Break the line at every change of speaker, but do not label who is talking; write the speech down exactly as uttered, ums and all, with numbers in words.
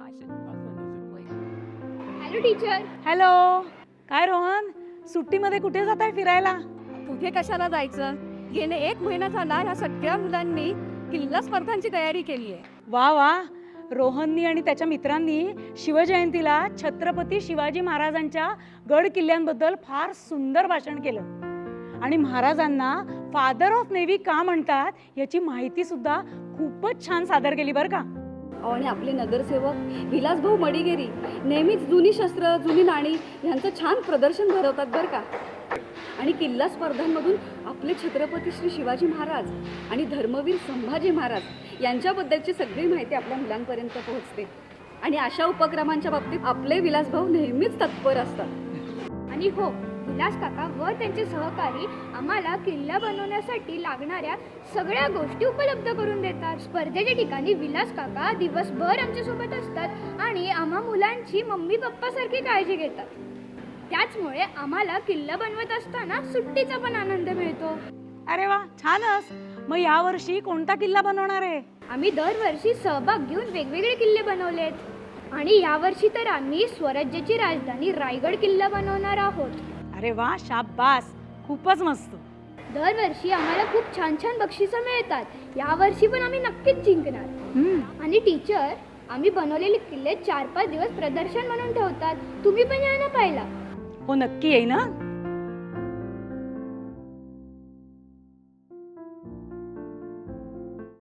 Hello teacher.
Hello. काय रोहन, सुट्टीमध्ये कुठे जात आहे फिरायला?
कुठे कशाला जायचं, गेले एक महिना झाला ह्या सगळ्या मुलांनी किल्ला स्पर्धांची तयारी केली आहे.
वा वा. रोहननी आणि त्याच्या मित्रांनी शिवजयंतीला छत्रपती शिवाजी महाराजांच्या गड किल्ल्यांबद्दल फार सुंदर भाषण केलं आणि महाराजांना फादर ऑफ नेव्ही का म्हणतात याची माहिती सुद्धा खूपच छान सादर केली बरं का.
आणि आपले नगरसेवक विलासभाऊ मडिगेरी नेहमीच जुनी शस्त्र, जुनी नाणी यांचं छान प्रदर्शन भरवतात बरं का. आणि किल्ला स्पर्धांमधून आपले छत्रपती श्री शिवाजी महाराज आणि धर्मवीर संभाजी महाराज यांच्याबद्दलची सगळी माहिती आपल्या मुलांपर्यंत पोहोचते. आणि अशा उपक्रमांच्या बाबतीत आपले विलासभाऊ नेहमीच तत्पर असतात.
आणि हो, विलास काका व त्यांचे सहकारी आम्हाला किल्ला बनवण्यासाठी लागणाऱ्या सगळ्या गोष्टी उपलब्ध करून देतात. स्पर्धेच्या ठिकाणी विलास काका दिवसभर आमच्यासोबत असतात आणि आम्हा मुलांची मम्मी पप्पासारखी काळजी घेतात. त्याचमुळे आम्हाला किल्ला बनवत असताना सुट्टीचा पण आनंद मिळतो.
अरे वा, छानच. मग यावर्षी कोणता किल्ला बनवणार आहे?
आम्ही दरवर्षी सहभाग घेऊन वेगवेगळे किल्ले बनवलेत आणि यावर्षी तर आम्ही स्वराज्याची राजधानी रायगड किल्ला बनवणार आहोत.
अरे वा, शाबास, खूपच मस्त.
दरवर्षी आम्हाला खूप छान छान बक्षिसं मिळतात. यावर्षी पण आम्ही नक्कीच जिंकणार.
हम्म.
आणि टीचर, आम्ही बनवलेले किल्ले चार पाच दिवस प्रदर्शन म्हणून ठेवतात. तुम्ही पण या ना पाहिला.
हो, नक्की येई ना.